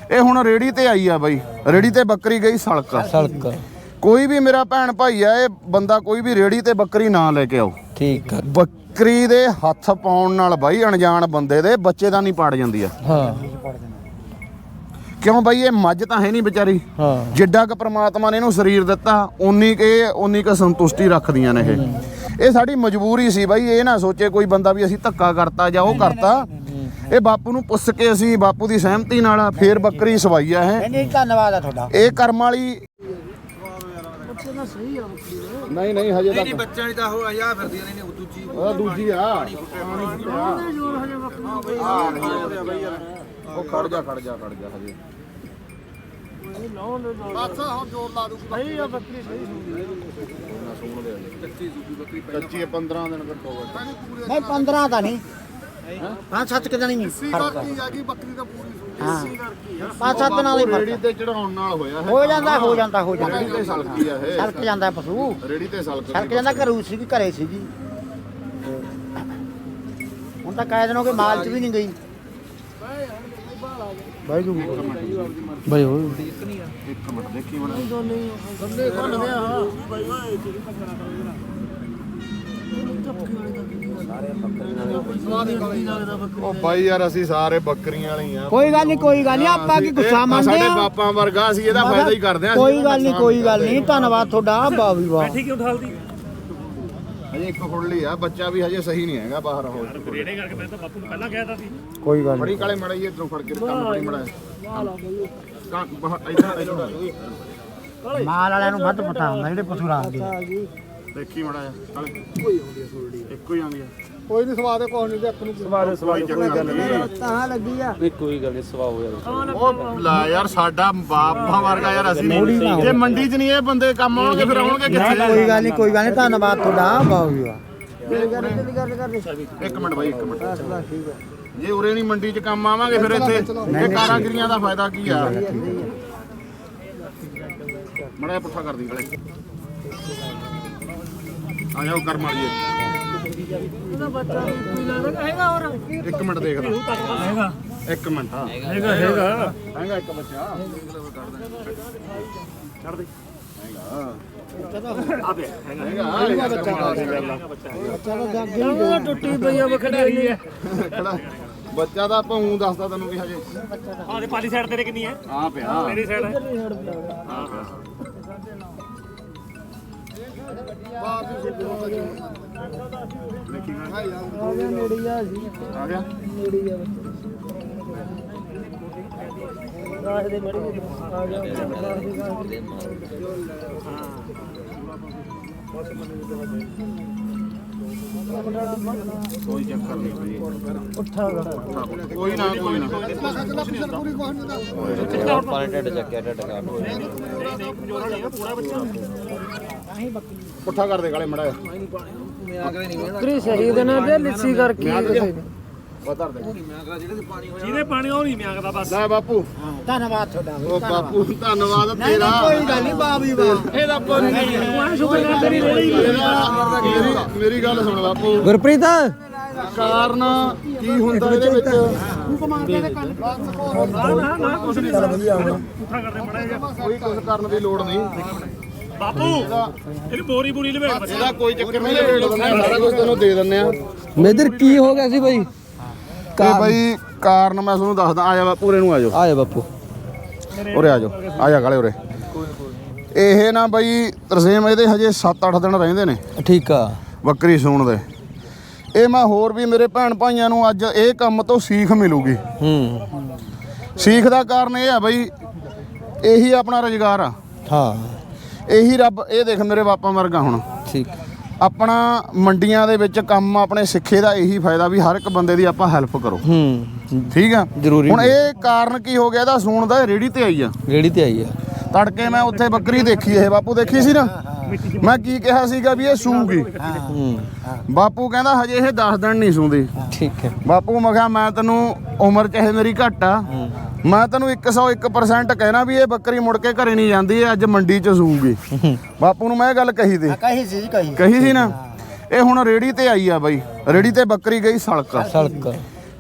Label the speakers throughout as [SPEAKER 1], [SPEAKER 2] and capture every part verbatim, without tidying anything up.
[SPEAKER 1] ਇਹ ਹੁਣ ਰੇੜੀ ਤੇ ਆਈ ਆ ਬਾਈ, ਰੇੜੀ ਤੇ ਬੱਕਰੀ ਗਈ ਸਲਕ
[SPEAKER 2] ਸਲਕ।
[SPEAKER 1] ਕੋਈ ਵੀ ਮੇਰਾ ਭੈਣ ਭਾਈ ਆ, ਇਹ ਬੰਦਾ ਕੋਈ ਵੀ ਰੇੜੀ ਤੇ ਬੱਕਰੀ ਨਾ ਲੈ ਕੇ ਆਓ।
[SPEAKER 2] ਠੀਕ ਆ।
[SPEAKER 1] ਬੱਕਰੀ ਦੇ ਹੱਥ ਪਾਉਣ ਨਾਲ ਬਾਈ ਅਣਜਾਣ ਬੰਦੇ ਦੇ ਬੱਚੇ ਦਾ ਨਹੀਂ ਪਾੜ ਜਾਂਦੀ ਆ।
[SPEAKER 2] ਹਾਂ
[SPEAKER 1] ਕਿਉਂ ਬਾਈ, ਇਹ ਮੱਝ ਤਾਂ ਹੈ ਨਹੀਂ ਵਿਚਾਰੀ।
[SPEAKER 2] ਹਾਂ
[SPEAKER 1] ਜਿੱਡਾ ਕ ਪ੍ਰਮਾਤਮਾ ਨੇ ਇਹਨੂੰ ਸਰੀਰ ਦਿੱਤਾ ਉਨੀ ਕ ਇਹ ਉਨੀ ਕ ਸੰਤੁਸ਼ਟੀ ਰੱਖਦੀਆਂ ਨੇ। ਇਹ ਇਹ ਸਾਡੀ ਮਜਬੂਰੀ ਸੀ ਬਾਈ। ਇਹ ਨਾ ਸੋਚੇ ਕੋਈ ਬੰਦਾ ਵੀ ਅਸੀਂ ਧੱਕਾ ਕਰਤਾ ਜਾਂ ਉਹ ਕਰਤਾ। ਇਹ ਬਾਪੂ ਨੂੰ ਪੁੱਛ ਕੇ ਅਸੀਂ ਬਾਪੂ ਦੀ ਸਹਿਮਤੀ ਨਾਲ ਫੇਰ ਬੱਕਰੀ ਸਵਾਈ ਆ। ਇਹ
[SPEAKER 3] ਨਹੀਂ ਧੰਨਵਾਦ ਆ ਤੁਹਾਡਾ।
[SPEAKER 1] ਇਹ ਕਰਮ ਵਾਲੀ ਨਹੀਂ ਨਹੀਂ ਹਜੇ ਤੱਕ
[SPEAKER 3] ਬੱਚਿਆਂ ਦੀ ਤਾਂ ਉਹ ਆ ਫਿਰਦੀਆਂ ਨੇ ਦੂਜੀ
[SPEAKER 1] ਉਹ ਦੂਜੀ ਆ। ਉਹ ਖੜ ਜਾ ਖੜ ਜਾ ਖੜ ਜਾ ਹਜੇ ਬਸ ਹੁਣ ਜੋਰ ਲਾ ਦੂ। ਸਹੀ ਆ ਬੱਕਰੀ, ਸਹੀ ਕੱਚੀ ਸੂਬੀ ਬੱਕਰੀ, ਕੱਚੀ ਪੰਦਰਾਂ ਦਿਨ ਘੱਟੋ ਘੱਟ।
[SPEAKER 3] ਨਹੀਂ ਪੰਦਰਾਂ ਤਾਂ ਨਹੀਂ, ਪੰਜ ਸੱਤ ਕਿ ਦਿਨ ਹੀ ਫਰਕ ਆ।
[SPEAKER 1] ਬੱਕਰੀ ਦਾ ਪੂਰੀ
[SPEAKER 3] ਹਾਂ ਪੰਜ ਸੱਤ ਦਿਨਾਂ ਦੀ
[SPEAKER 1] ਰੇੜੀ ਤੇ ਚੜਾਉਣ ਨਾਲ ਹੋਇਆ ਹੈ।
[SPEAKER 3] ਹੋ ਜਾਂਦਾ ਹੋ ਜਾਂਦਾ ਹੋ ਜਾਂਦਾ
[SPEAKER 1] ਰੇੜੀ ਤੇ ਸਲਕੀ ਆ ਇਹ।
[SPEAKER 3] ਸਲਕ ਜਾਂਦਾ ਪਸ਼ੂ,
[SPEAKER 1] ਰੇੜੀ ਤੇ ਸਲਕ
[SPEAKER 3] ਸਲਕ ਜਾਂਦਾ। ਘਰੂ ਸੀਗੀ, ਘਰੇ ਸੀਗੀ। ਹੁਣ ਤਾਂ ਕਾਇਦ ਹੋ ਕੇ ਮਾਲ ਚ ਵੀ ਨਹੀਂ ਗਈ। ਬਾਈ ਜੀ
[SPEAKER 2] ਬਾਈ ਹੋ
[SPEAKER 1] ਇੱਕ ਮਿੰਟ ਦੇਖੀ ਬਣਾ ਉਹ ਬਾਈ ਯਾਰ ਅਸੀਂ ਸਾਰੇ ਬੱਕਰੀਆਂ ਵਾਲੇ ਆ।
[SPEAKER 3] ਕੋਈ ਗੱਲ ਨਹੀਂ, ਕੋਈ ਗੱਲ ਨਹੀਂ, ਆਪਾਂ ਕੀ ਗੁੱਸਾ ਮੰਨਦੇ ਆ।
[SPEAKER 1] ਸਾਡੇ ਬਾਪਾਂ ਵਰਗਾ ਅਸੀਂ ਇਹਦਾ ਫਾਇਦਾ ਹੀ ਕਰਦੇ ਆ।
[SPEAKER 3] ਕੋਈ ਗੱਲ ਨਹੀਂ, ਕੋਈ ਗੱਲ ਨਹੀਂ, ਧੰਨਵਾਦ ਤੁਹਾਡਾ। ਵਾਹ ਵੀ ਵਾਹ।
[SPEAKER 4] ਬੈਠੀ ਕਿਉਂ ਠਾਲਦੀ
[SPEAKER 1] ਹਜੇ ਇੱਕ ਖੁੱਲੀ ਆ, ਬੱਚਾ ਵੀ ਹਜੇ ਸਹੀ ਨਹੀਂ ਹੈਗਾ ਬਾਹਰ। ਹੋ
[SPEAKER 4] ਰੇੜੇ ਕਰਕੇ ਮੈਂ ਤਾਂ ਬਾਪੂ ਨੂੰ ਪਹਿਲਾਂ ਕਹਿ ਦਿੱਤਾ ਸੀ।
[SPEAKER 3] ਕੋਈ ਗੱਲ
[SPEAKER 1] ਬੜੀ ਕਾਲੇ ਮੜਾ ਇਹ ਇਧਰੋਂ ਫੜ ਕੇ ਕੰਮ ਬੜੀ ਮੜਾ ਕਾਂ ਇਧਰ ਇਧਰ
[SPEAKER 3] ਨਹੀਂ। ਮਾਲ ਵਾਲਿਆਂ ਨੂੰ ਵੱਧ ਪਤਾ ਹੁੰਦਾ ਜਿਹੜੇ ਪਸ਼ੂ ਰੱਖਦੇ।
[SPEAKER 1] ਦੇਖੀ ਮੜਾ ਕਾਲੇ ਕੋਈ ਆਉਂਦੀ ਆ ਸੋਲਡੀ, ਇੱਕੋ ਹੀ ਆਉਂਦੀ ਆ।
[SPEAKER 3] ਕੋਈ ਨਹੀਂ ਸਵਾਦ ਕੋਈ ਨਹੀਂ, ਅੱਖ ਨੂੰ
[SPEAKER 1] ਸਵਾਦ ਸਵਾਦ ਕੋਈ ਗੱਲ ਨਹੀਂ।
[SPEAKER 3] ਤਾਂ ਲੱਗੀ ਆ।
[SPEAKER 2] ਨਹੀਂ ਕੋਈ ਗੱਲ ਨਹੀਂ, ਸਵਾ ਹੋ ਜਾਵੇ।
[SPEAKER 1] ਉਹ ਲਾ ਯਾਰ ਸਾਡਾ ਬਾਪਾਂ ਵਰਗਾ ਯਾਰ ਅਸੀਂ ਜੇ ਮੰਡੀ 'ਚ ਨਹੀਂ ਇਹ ਬੰਦੇ ਕੰਮ ਆਉਣਗੇ ਫਿਰ ਆਉਣਗੇ ਕਿੱਥੇ?
[SPEAKER 3] ਕੋਈ ਗੱਲ ਨਹੀਂ, ਕੋਈ ਗੱਲ ਨਹੀਂ, ਧੰਨਵਾਦ ਤੁਹਾਡਾ। ਵਾਹ ਵੀ ਵਾਹ।
[SPEAKER 1] ਇੱਕ ਮਿੰਟ ਬਾਈ, ਇੱਕ ਮਿੰਟ। ਜੇ ਉਰੇ ਨਹੀਂ ਮੰਡੀ 'ਚ ਕੰਮ ਆਵਾਂਗੇ ਫਿਰ ਇੱਥੇ ਇਹ ਕਾਰਾਗਰੀਆਂ ਦਾ ਫਾਇਦਾ ਕੀ ਆ? ਮੜਾ ਪੁੱਠਾ ਕਰ ਦੀ ਗਲੇ ਆ ਜਾਓ ਕਰ ਮਾਰੀਏ। ਇੱਕ ਮਿੰਟ ਦੇਖਦਾ।
[SPEAKER 4] ਹੈਗਾ
[SPEAKER 1] ਇੱਕ ਮਿੰਟ ਹਾਂ
[SPEAKER 4] ਹੈਗਾ ਹੈਗਾ
[SPEAKER 1] ਹੈਗਾ ਇੱਕ ਬੱਚਾ
[SPEAKER 4] ਛੱਡ ਦੇ
[SPEAKER 1] ਹੈਗਾ
[SPEAKER 4] ਆ ਪਿਆ ਹੈਗਾ
[SPEAKER 1] ਹੈਗਾ ਬੱਚਾ
[SPEAKER 3] ਬੱਚਾ ਟੁੱਟੀ ਪਈ ਆ
[SPEAKER 4] ਖੜਾਈ ਹੈ
[SPEAKER 1] ਖੜਾ ਬੱਚਾ ਦਾ ਆਪਾਂ ਊਂ ਦੱਸਦਾ ਤੈਨੂੰ ਵੀ ਹਜੇ
[SPEAKER 4] ਆਹ ਦੇ ਪਾਲੀ ਸਾਈਡ ਤੇਰੇ ਕਿੰਨੀ ਹੈ?
[SPEAKER 1] ਆ ਪਿਆ
[SPEAKER 4] ਮੇਰੀ ਸਾਈਡ ਹੈ।
[SPEAKER 1] ਆ ਪਿਆ
[SPEAKER 3] ਨੇੜੀ ਆ ਸੀ,
[SPEAKER 1] ਆ ਗਿਆ
[SPEAKER 3] ਨੇੜੀ ਆ ਰਾਜ ਦੇ ਬੜੀ ਆ ਗਿਆ।
[SPEAKER 1] ਕੋਈ ਚੱਕਰ ਨਹੀਂ
[SPEAKER 3] ਉੱਠਾ ਗਾ।
[SPEAKER 1] ਕੋਈ ਨਾ ਕੋਈ ਨਾ
[SPEAKER 2] ਪਾਣੀ ਢੱਡ ਚੱਕਿਆ, ਢੱਡ ਕਾਟ
[SPEAKER 1] ਪੁੱਠਾ ਕਰ ਦੇ ਗਾਲੇ ਮੜਾ
[SPEAKER 3] ਬੱਕਰੀ ਸ਼ਹੀਦ ਨੇ ਤੇ ਲਿੱਸੀ ਕਰਕੇ
[SPEAKER 1] ਵਧਰ ਦੇ
[SPEAKER 4] ਜਿਹਦੇ ਪਾਣੀ ਉਹ ਨਹੀਂ ਮਿਆਂਗਦਾ ਬਸ।
[SPEAKER 1] ਲੈ ਬਾਪੂ
[SPEAKER 3] ਧੰਨਵਾਦ ਤੁਹਾਡਾ।
[SPEAKER 1] ਉਹ ਬਾਪੂ ਧੰਨਵਾਦ ਤੇਰਾ।
[SPEAKER 3] ਕੋਈ ਗੱਲ ਨਹੀਂ, ਵਾਹ ਵੀ ਵਾਹ।
[SPEAKER 1] ਇਹਦਾ ਪਾਣੀ
[SPEAKER 4] ਤੇਰੀ ਰੇੜੀ
[SPEAKER 1] ਮੇਰੀ ਮੇਰੀ ਗੱਲ ਸੁਣ ਬਾਪੂ।
[SPEAKER 2] ਗੁਰਪ੍ਰੀਤ
[SPEAKER 1] ਕਾਰਨ ਕੀ ਹੁੰਦਾ ਇਹਦੇ ਵਿੱਚ?
[SPEAKER 4] ਨਾ ਨਾ ਕੁਛ ਨਹੀਂ ਪੁੱਠਾ ਕਰਦੇ ਮੜਾ ਜਾ
[SPEAKER 1] ਕੋਈ ਕੁਝ ਕਰਨ ਦੀ ਲੋੜ ਨਹੀਂ
[SPEAKER 4] ਬਾਪੂ। ਇਹਨੂੰ ਬੋਰੀ ਬੋਰੀ ਲਵੇੜ ਬੱਚਾ।
[SPEAKER 1] ਇਹਦਾ ਕੋਈ ਚੱਕਰ ਨਹੀਂ, ਰੇਟ ਦਿੰਦੇ ਆ, ਸਾਰਾ ਕੁਝ ਤੈਨੂੰ ਦੇ ਦਿੰਦੇ ਆ।
[SPEAKER 2] ਮੇਦਰ ਕੀ ਹੋ ਗਿਆ ਸੀ ਬਾਈ?
[SPEAKER 1] ਤੇ ਬਾਈ ਕਾਰਨ ਮੈਂ ਤੁਹਾਨੂੰ ਦੱਸਦਾ। ਆ ਜਾ ਬਾਪੂ ਉਰੇ ਨੂੰ ਆ ਜਾਓ।
[SPEAKER 2] ਆ ਜਾ ਬਾਪੂ
[SPEAKER 1] ਉਰੇ ਆ ਜਾਓ, ਆ ਜਾ ਗਾਲੇ ਉਰੇ। ਇਹ ਨਾ ਬਾਈ ਤਰਸੇਮ ਇਹਦੇ ਹਜੇ ਸੱਤ ਅੱਠ ਦਿਨ ਰਹਿੰਦੇ ਨੇ
[SPEAKER 2] ਠੀਕ ਆ
[SPEAKER 1] ਬੱਕਰੀ ਸੂਣ ਦੇ। ਇਹ ਮੈਂ ਹੋਰ ਵੀ ਮੇਰੇ ਭੈਣ ਭਾਈਆਂ ਨੂੰ ਅੱਜ ਇਹ ਕੰਮ ਤੋਂ ਸੀਖ ਮਿਲੂਗੀ।
[SPEAKER 2] ਹੂੰ
[SPEAKER 1] ਸੀਖ ਦਾ ਕਾਰਨ ਇਹ ਆ ਬਾਈ, ਇਹੀ ਆਪਣਾ ਰੁਜ਼ਗਾਰ ਆ।
[SPEAKER 2] ਹਾਂ
[SPEAKER 1] ਇਹੀ ਰੱਬ ਇਹ ਦੇਖ ਮੇਰੇ ਬਾਪਾ ਵਰਗਾ ਹੁਣ
[SPEAKER 2] ਠੀਕ
[SPEAKER 1] ਆਪਣਾ ਮੰਡੀਆਂ ਦੇ ਵਿੱਚ ਕੰਮ ਆਪਣੇ ਸਿੱਖੇ ਦਾ ਇਹੀ ਫਾਇਦਾ ਵੀ ਹਰ ਇੱਕ ਬੰਦੇ ਦੀ ਆਪਾਂ ਹੈਲਪ ਕਰੋ।
[SPEAKER 2] ਹੂੰ
[SPEAKER 1] ਠੀਕ ਆ
[SPEAKER 2] ਜ਼ਰੂਰੀ
[SPEAKER 1] ਹੁਣ ਇਹ ਕਾਰਨ ਕੀ ਹੋ ਗਿਆ ਇਹਦਾ ਸੂਣ ਦਾ? ਰੇੜੀ ਤੇ ਆਈ ਆ
[SPEAKER 2] ਰੇੜੀ ਤੇ ਆਈ ਆ।
[SPEAKER 1] ਤੜਕੇ ਮੈਂ ਉੱਥੇ ਬੱਕਰੀ ਦੇਖੀ, ਇਹ ਬਾਪੂ ਦੇਖੀ ਸੀ ਨਾ। ਮੈਂ ਕੀ ਕਿਹਾ ਸੀਗਾ ਵੀ ਇਹ ਸੂਗੀ।
[SPEAKER 2] ਹੂੰ
[SPEAKER 1] ਬਾਪੂ ਕਹਿੰਦਾ ਹਜੇ ਇਹ ਦਸ ਦਿਨ ਨਹੀਂ ਸੂੰਦੀ।
[SPEAKER 2] ਠੀਕ ਹੈ
[SPEAKER 1] ਬਾਪੂ ਮੈਂ ਕਿਹਾ ਮੈਂ ਤੈਨੂੰ ਉਮਰ ਚਾਹੇ ਮੇਰੀ ਘੱਟ ਆ, ਮੈਂ ਤੈਨੂੰ ਇੱਕ ਸੌ ਇੱਕ ਪਰਸੈਂਟ ਕਹਿਣਾ ਵੀ ਇਹ ਬੱਕਰੀ ਮੁੜ ਕੇ ਘਰੇ ਨਹੀਂ ਜਾਂਦੀ, ਇਹ ਅੱਜ ਮੰਡੀ 'ਚ ਸੂਗੀ। ਬਾਪੂ ਨੂੰ ਮੈਂ ਇਹ ਗੱਲ ਕਹੀ ਤੇ
[SPEAKER 3] ਕਹੀ ਸੀ ਜੀ, ਕਹੀ
[SPEAKER 1] ਕਹੀ ਸੀ ਨਾ। ਇਹ ਹੁਣ ਰੇੜੀ ਤੇ ਆਈ ਆ ਬਾਈ, ਰੇੜੀ ਤੇ ਬੱਕਰੀ ਗਈ ਸਲਕ।
[SPEAKER 2] ਸੜਕ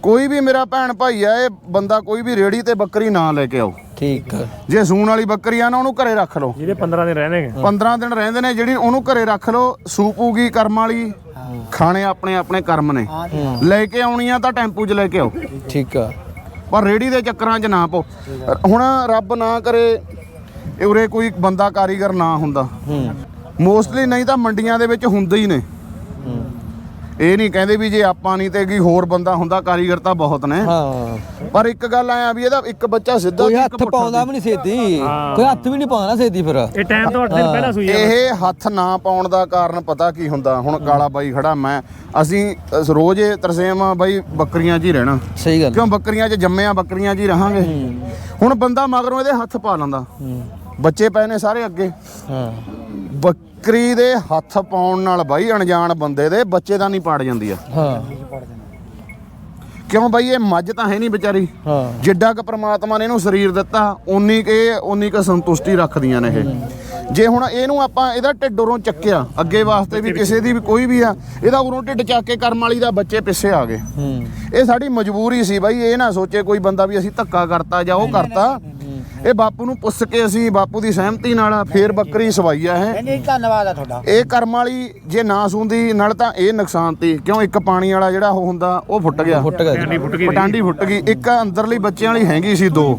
[SPEAKER 1] ਕੋਈ ਵੀ ਮੇਰਾ ਭੈਣ ਭਾਈ ਆ ਇਹ ਬੰਦਾ ਕੋਈ ਵੀ ਰੇੜੀ ਤੇ ਬੱਕਰੀ ਨਾ ਲੈ ਕੇ ਆਓ।
[SPEAKER 2] ਠੀਕ ਆ
[SPEAKER 1] ਜੇ ਸੂਣ ਵਾਲੀ ਬੱਕਰੀ ਆ ਨਾ ਉਹਨੂੰ ਘਰੇ ਰੱਖ ਲਓ।
[SPEAKER 4] ਜਿਹਦੇ ਪੰਦਰਾਂ ਦਿਨ ਰਹਿਣਗੇ
[SPEAKER 1] ਪੰਦਰਾਂ ਦਿਨ ਰਹਿੰਦੇ ਨੇ ਜਿਹੜੀ ਉਹਨੂੰ ਘਰੇ ਰੱਖ ਲਓ। ਸੂਪੂਗੀ ਕਰਮ ਵਾਲੀ, ਖਾਣੇ ਆਪਣੇ ਆਪਣੇ ਕਰਮ ਨੇ। ਲੈ ਕੇ ਆਉਣੀ ਆ ਤਾਂ ਟੈਂਪੂ 'ਚ ਲੈ ਕੇ ਆਓ।
[SPEAKER 2] ਠੀਕ ਆ
[SPEAKER 1] ਪਰ ਰੇੜੀ ਦੇ ਚੱਕਰਾਂ 'ਚ ਨਾ ਪਓ। ਹੁਣ ਰੱਬ ਨਾ ਕਰੇ ਇਹ ਉਰੇ ਕੋਈ ਬੰਦਾ ਕਾਰੀਗਰ ਨਾ ਹੁੰਦਾ,
[SPEAKER 2] ਹੂੰ
[SPEAKER 1] ਮੋਸਟਲੀ ਨਹੀਂ ਤਾਂ ਮੰਡੀਆਂ ਦੇ ਵਿੱਚ ਹੁੰਦੇ ਹੀ ਨੇ।
[SPEAKER 2] ਹੂੰ
[SPEAKER 1] ਇਹ ਨਹੀਂ ਕਹਿੰਦੇ ਵੀ ਜੇ ਆਪਾਂ ਨਹੀਂ ਤੇ ਕੀ ਹੋਰ ਬੰਦਾ ਹੁੰਦਾ, ਕਾਰੀਗਰ ਤਾਂ ਬਹੁਤ ਨੇ।
[SPEAKER 2] ਹਾਂ
[SPEAKER 1] ਪਰ ਇੱਕ ਗੱਲ ਆਇਆ ਵੀ ਇਹਦਾ ਇੱਕ ਬੱਚਾ ਸਿੱਧਾ
[SPEAKER 2] ਕੋਈ
[SPEAKER 1] ਤੇ ਇੱਕ
[SPEAKER 2] ਹੱਥ
[SPEAKER 1] ਪੁੱਠਾ
[SPEAKER 2] ਪਾਉਂਦਾ ਵੀ ਨਹੀਂ ਛੇਤੀ, ਕੋਈ ਹੱਥ ਵੀ ਨਹੀਂ ਪਾਉਂਦਾ ਨਾ ਛੇਤੀ ਫਿਰ।
[SPEAKER 4] ਇਹ ਟਾਈਮ ਤੋਂ ਅੱਠ ਦਿਨ ਪਹਿਲਾਂ ਸੂਈ ਆ
[SPEAKER 1] ਇਹ ਹੱਥ ਨਾ ਪਾਉਣ ਦਾ ਕਾਰਨ ਪਤਾ ਕੀ ਹੁੰਦਾ? ਹੁਣ ਕਾਲਾ ਬਾਈ ਖੜਾ, ਮੈਂ ਅਸੀਂ ਅਸ- ਰੋਜ਼ ਇਹ ਤਰਸੇਮ ਬਾਈ ਬੱਕਰੀਆਂ 'ਚ ਹੀ ਰਹਿਣਾ।
[SPEAKER 2] ਸਹੀ ਗੱਲ।
[SPEAKER 1] ਕਿਉਂ ਬੱਕਰੀਆਂ 'ਚ ਜੰਮਿਆ, ਬੱਕਰੀਆਂ 'ਚ ਹੀ ਰਹਾਂਗੇ। ਹੁਣ ਬੰਦਾ ਮਗਰੋਂ ਇਹਦੇ ਹੱਥ ਪਾ ਲੈਂਦਾ,
[SPEAKER 2] ਹੂੰ
[SPEAKER 1] ਬੱਚੇ ਪਏ ਨੇ ਸਾਰੇ ਅੱਗੇ।
[SPEAKER 2] ਹਾਂ
[SPEAKER 1] ਬੱਕਰੀ ਦੇ ਹੱਥ ਪਾਉਣ ਨਾਲ ਬਾਈ ਅਣਜਾਣ ਬੰਦੇ ਦੇ ਬੱਚੇ ਦਾ ਨਹੀਂ ਪਾੜ ਜਾਂਦੀ ਆ।
[SPEAKER 2] ਹਾਂ
[SPEAKER 1] ਕਿਉਂ ਬਾਈ ਇਹ ਮੱਝ ਤਾਂ ਹੈ ਨਹੀਂ ਵਿਚਾਰੀ।
[SPEAKER 2] ਹਾਂ
[SPEAKER 1] ਜਿੱਡਾ ਕ ਪ੍ਰਮਾਤਮਾ ਨੇ ਇਹਨੂੰ ਸਰੀਰ ਦਿੱਤਾ ਉਨੀ ਕ ਇਹ ਉਨੀ ਕ ਸੰਤੁਸ਼ਟੀ ਰੱਖਦੀਆਂ ਨੇ ਇਹ। ਜੇ ਹੁਣ ਇਹਨੂੰ ਆਪਾਂ ਇਹਦਾ ਢਿੱਡ ਉਰੋਂ ਚੱਕਿਆ ਅੱਗੇ ਵਾਸਤੇ ਵੀ ਕਿਸੇ ਦੀ ਵੀ ਕੋਈ ਵੀ ਆ, ਇਹਦਾ ਉਰੋਂ ਢਿੱਡ ਚੱਕ ਕੇ ਕਰਮ ਵਾਲੀ ਦਾ ਬੱਚੇ ਪਿੱਛੇ ਆ ਗਏ।
[SPEAKER 2] ਹੂੰ
[SPEAKER 1] ਇਹ ਸਾਡੀ ਮਜਬੂਰੀ ਸੀ ਬਾਈ। ਇਹ ਨਾ ਸੋਚੇ ਕੋਈ ਬੰਦਾ ਵੀ ਅਸੀਂ ਧੱਕਾ ਕਰਤਾ ਜਾਂ ਉਹ ਕਰਤਾ। ਇਹ ਬਾਪੂ ਨੂੰ ਪੁੱਛ ਕੇ ਅਸੀਂ ਬਾਪੂ ਦੀ ਸਹਿਮਤੀ ਨਾਲ ਫੇਰ ਬੱਕਰੀ ਸਵਾਈ ਆ ਇਹ।
[SPEAKER 3] ਨਹੀਂ ਧੰਨਵਾਦ ਆ ਤੁਹਾਡਾ।
[SPEAKER 1] ਇਹ ਕਰਮ ਵਾਲੀ ਜੇ ਨਾ ਸੂੰਦੀ ਨਾਲ ਤਾਂ ਇਹ ਨੁਕਸਾਨ ਤੀ। ਕਿਉਂ ਇੱਕ ਪਾਣੀ ਵਾਲਾ ਜਿਹੜਾ ਉਹ ਹੁੰਦਾ ਉਹ ਫੁੱਟ ਗਿਆ,
[SPEAKER 2] ਫੁੱਟ ਗਿਆ
[SPEAKER 4] ਟਾਂਡੀ ਫੁੱਟ ਗਈ
[SPEAKER 1] ਪਟਾਂਡੀ ਫੁੱਟ ਗਈ। ਇੱਕ ਅੰਦਰਲੀ ਬੱਚਿਆਂ ਵਾਲੀ ਹੈਗੀ ਸੀ ਦੋ।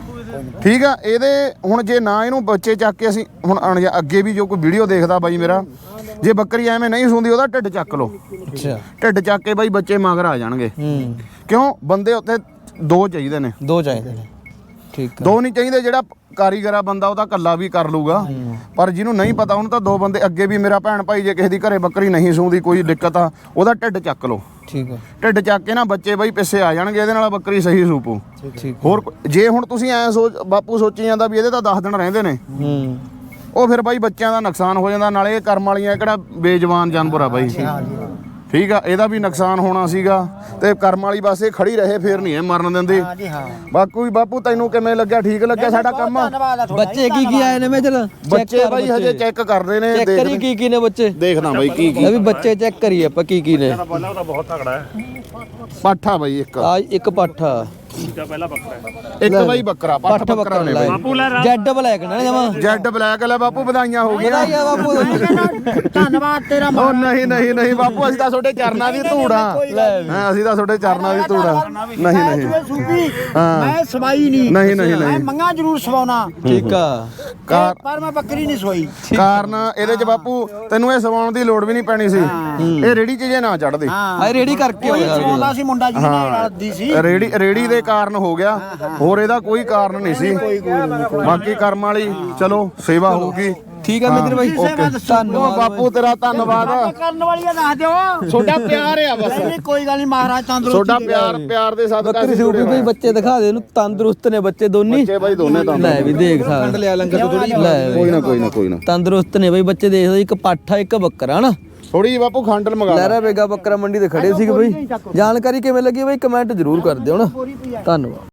[SPEAKER 1] ਠੀਕ ਆ ਇਹਦੇ ਹੁਣ ਜੇ ਨਾ ਇਹਨੂੰ ਬੱਚੇ ਚੱਕ ਕੇ ਅਸੀਂ ਹੁਣ ਅਣ- ਅੱਗੇ ਵੀ ਜੋ ਕੋਈ ਵੀਡੀਓ ਦੇਖਦਾ ਬਾਈ ਮੇਰਾ, ਜੇ ਬੱਕਰੀ ਐਵੇਂ ਨਹੀਂ ਸੂੰਦੀ ਉਹਦਾ ਢਿੱਡ ਚੱਕ ਲਓ।
[SPEAKER 2] ਅੱਛਾ
[SPEAKER 1] ਢਿੱਡ ਚੱਕ ਕੇ ਬਾਈ ਬੱਚੇ ਮਗਰ ਆ ਜਾਣਗੇ।
[SPEAKER 2] ਹੂੰ
[SPEAKER 1] ਕਿਉਂ ਬੰਦੇ ਉੱਥੇ ਦੋ ਚਾਹੀਦੇ ਨੇ,
[SPEAKER 2] ਦੋ ਚਾਹੀਦੇ ਨੇ। ਠੀਕ ਆ
[SPEAKER 1] ਦੋ ਨਹੀਂ ਚਾਹੀਦੇ। ਜਿਹੜਾ ਕਾਰੀਗਰ ਆ ਬੰਦਾ ਉਹ ਤਾਂ ਇਕੱਲਾ ਵੀ ਕਰ ਲੂਗਾ, ਪਰ ਜਿਹਨੂੰ ਨਹੀਂ ਪਤਾ ਉਹਨੂੰ ਤਾਂ ਦੋ ਬੰਦੇ। ਅੱਗੇ ਵੀ ਮੇਰਾ ਭੈਣ ਭਾਈ ਜੇ ਕਿਸੇ ਦੀ ਘਰੇ ਬੱਕਰੀ ਨਹੀਂ ਸੂੰਦੀ ਕੋਈ ਦਿੱਕਤ ਆ, ਉਹਦਾ ਢਿੱਡ ਚੱਕ ਲਓ।
[SPEAKER 2] ਠੀਕ ਆ
[SPEAKER 1] ਢਿੱਡ ਚੱਕ ਕੇ ਨਾ ਬੱਚੇ ਬਾਈ ਪਿੱਛੇ ਆ ਜਾਣਗੇ, ਇਹਦੇ ਨਾਲ ਬੱਕਰੀ ਸਹੀ ਸੂਪੂ।
[SPEAKER 2] ਠੀਕ
[SPEAKER 1] ਹੋਰ ਕੋ- ਜੇ ਹੁਣ ਤੁਸੀਂ ਐ ਸੋਚ ਬਾਪੂ ਸੋਚੀ ਜਾਂਦਾ ਵੀ ਇਹਦੇ ਤਾਂ ਦਸ ਦਿਨ ਰਹਿੰਦੇ ਨੇ,
[SPEAKER 2] ਹੂੰ
[SPEAKER 1] ਉਹ ਫਿਰ ਬਾਈ ਬੱਚਿਆਂ ਦਾ ਨੁਕਸਾਨ ਹੋ ਜਾਂਦਾ। ਨਾਲੇ ਇਹ ਕਰਮ ਵਾਲੀਆਂ ਕਿਹੜਾ ਬੇਜਵਾਨ ਜਾਨਵਰ ਆ ਬਾਈ। ਠੀਕ ਆ ਇਹਦਾ ਵੀ ਨੁਕਸਾਨ ਹੋਣਾ ਸੀਗਾ ਤੇ ਕਰਮ ਵਾਲੀ ਬਸ ਇਹ ਖੜੀ ਰਹੇ, ਫੇਰ ਨਹੀਂ ਇਹ ਮਰਨ ਦਿੰਦੀ।
[SPEAKER 3] ਹਾਂਜੀ ਹਾਂ
[SPEAKER 1] ਬਾਕੂ ਵੀ ਬਾਪੂ ਤੈਨੂੰ ਕਿਵੇਂ ਲੱਗਿਆ? ਠੀਕ ਲੱਗਿਆ ਸਾਡਾ ਕੰਮ?
[SPEAKER 3] ਧੰਨਵਾਦ ਆ ਤੁਹਾਡਾ।
[SPEAKER 2] ਬੱਚੇ ਕੀ ਕੀ ਆਏ ਨੇ ਮੇਜਰ?
[SPEAKER 1] ਬੱਚੇ ਬਾਈ ਹਜੇ ਚੈੱਕ ਕਰਦੇ ਨੇ।
[SPEAKER 2] ਚੈੱਕ ਕਰੀ ਕੀ ਕੀ ਨੇ ਬੱਚੇ।
[SPEAKER 1] ਦੇਖਣਾ ਬਾਈ ਕੀ ਕੀ
[SPEAKER 2] ਇਹ ਵੀ ਬੱਚੇ ਚੈੱਕ ਕਰੀਏ ਆਪਾਂ ਕੀ ਕੀ ਨੇ।
[SPEAKER 4] ਪਹਿਲਾਂ ਉਹ ਤਾਂ ਬਹੁਤ ਤਗੜਾ ਹੈ।
[SPEAKER 1] ਪਾਠਾ ਬਾਈ ਇੱਕ
[SPEAKER 2] ਆ ਇੱਕ ਪਾਠਾ,
[SPEAKER 4] ਦੂਜਾ ਪਹਿਲਾ ਬੱਕਰਾ ਹੈ।
[SPEAKER 1] ਇੱਕ ਬਾਈ ਬੱਕਰਾ ਪਾਠ
[SPEAKER 2] ਪੱਠ
[SPEAKER 1] ਬੱਕਰਾ ਨੇ ਬਾਈ।
[SPEAKER 4] ਬਾਪੂ ਲੈ ਰਾ-
[SPEAKER 2] ਜੈਡ ਬਲੈਕ ਨਾ ਜਮਾ।
[SPEAKER 1] ਜੈਡ ਬਲੈਕ ਲੈ ਬਾਪੂ, ਵਧਾਈਆਂ ਹੋ ਗਈਆਂ।
[SPEAKER 2] ਵਧਾਈਆਂ ਬਾਪੂ।
[SPEAKER 3] ਧੰਨਵਾਦ ਤੇਰਾ।
[SPEAKER 1] ਉਹ ਨਹੀਂ ਨਹੀਂ ਨਹੀਂ ਬਾਪੂ, ਅਸੀਂ ਤਾਂ ਤੁਹਾਡੇ ਚਰਨਾਂ ਦੀ ਧੂੜ ਆ। ਹਾਂ ਅਸੀਂ ਤਾਂ ਤੁਹਾਡੇ ਚਰਨਾਂ ਦੀ ਧੂੜ ਆ। ਨਹੀਂ ਨਹੀਂ
[SPEAKER 3] ਸੂਪੀ
[SPEAKER 1] ਹਾਂ।
[SPEAKER 3] ਮੈਂ ਸਵਾਈ ਨਹੀਂ।
[SPEAKER 1] ਨਹੀਂ ਨਹੀਂ
[SPEAKER 3] ਮੈਂ
[SPEAKER 1] ਨਹੀਂ
[SPEAKER 3] ਮੰਗਾ ਜ਼ਰੂਰ ਸਵਾਉਣਾ,
[SPEAKER 2] ਠੀਕ ਆ
[SPEAKER 1] ਕਾਰ
[SPEAKER 3] ਪਰ ਮੈਂ ਬੱਕਰੀ ਨਹੀਂ ਸਵਾਈ।
[SPEAKER 1] ਕਾਰਨ ਇਹਦੇ ਚ ਬਾਪੂ ਤੈਨੂੰ ਇਹ ਸਵਾਉਣ ਦੀ ਲੋੜ ਵੀ ਨਹੀਂ ਪੈਣੀ ਸੀ। ਇਹ ਰੇੜੀ 'ਚ ਜੇ ਨਾ ਚੜਦੇ।
[SPEAKER 3] ਹਾਂ
[SPEAKER 2] ਆ ਰੇੜੀ ਕਰਕੇ
[SPEAKER 3] ਕੋਈ
[SPEAKER 2] ਹੋਇਆ
[SPEAKER 3] ਸਵਾਉਂਦਾ ਸੀ ਮੁੰਡਾ ਜੀ ਨਾਲ ਦੀ ਸੀ।
[SPEAKER 1] ਰੇੜੀ ਰੇੜੀ ਦੇ ਕਾਰਨ ਹੋ ਗਿਆ, ਹੋਰ ਇਹਦਾ ਕੋਈ ਕਾਰਨ ਨਹੀਂ ਸੀ। ਬਾਕੀ ਕਰਮ ਵਾਲੀ ਚਲੋ ਸੇਵਾ ਹੋਊਗੀ।
[SPEAKER 2] ਠੀਕ ਆ ਮੇਜਰ ਬਾਈ,
[SPEAKER 3] ਓਕੇ
[SPEAKER 1] ਉਹ
[SPEAKER 2] ਧੰਨਵਾਦ
[SPEAKER 1] ਬਾਪੂ ਤੇਰਾ ਧੰਨਵਾਦ।
[SPEAKER 3] ਕਰਨ ਵਾਲੀਆਂ ਦੱਸ ਦਿਓ।
[SPEAKER 1] ਤੁਹਾਡਾ ਪਿਆਰ ਆ ਬਸ।
[SPEAKER 3] ਨਹੀਂ ਕੋਈ ਗੱਲ ਨਹੀਂ, ਮਹਾਰਾਜ ਤੰਦਰੁਸਤੀ
[SPEAKER 1] ਤੁਹਾਡਾ ਪਿਆਰ ਪਿਆਰ ਦੇ ਸਦਕਾ
[SPEAKER 2] ਬੱਕਰੀ
[SPEAKER 1] ਅਸੀਂ
[SPEAKER 2] ਸੂਪੀ
[SPEAKER 1] ਜੁੜੇ
[SPEAKER 2] ਬਈ
[SPEAKER 1] ਹੋਏ
[SPEAKER 2] ਬੱਚੇ ਦਿਖਾ ਦੇ ਇਹਨੂੰ, ਤੰਦਰੁਸਤ ਨੇ ਬੱਚੇ ਦੋਨੀ।
[SPEAKER 1] ਬੱਚੇ ਬਾਈ ਦੋਨੇ ਤਾਂ
[SPEAKER 2] ਲੈ ਵੀ ਦੇਖ ਸਾਂ ਲਿਆ ਲੰਗਰ ਥੋੜੀ ਲੈ
[SPEAKER 1] ਕੋਈ ਨਾ ਕੋਈ ਨਾ ਕੋਈ ਨਾ
[SPEAKER 2] ਤੰਦਰੁਸਤ ਨੇ ਬਈ ਬੱਚੇ। ਦੇਖ ਲਓ ਇੱਕ ਪਾਠਾ ਇੱਕ ਬੱਕਰਾ ਹਨਾ।
[SPEAKER 1] ਥੋੜੀ ਜਿਹੀ ਬਾਪੂ ਖੰਡਲ ਮੰਗਾ ਲੈ।
[SPEAKER 2] ਲਹਿਰਾ ਬੇਗਾ ਬੱਕਰਾ ਮੰਡੀ ਤੇ ਖੜੇ ਸੀਗੇ ਬਈ। ਜਾਣਕਾਰੀ ਕਿਵੇਂ ਲੱਗੀ ਬਈ ਕਮੈਂਟ ਜ਼ਰੂਰ ਕਰ ਦਿਓ ਨਾ। ਧੰਨਵਾਦ।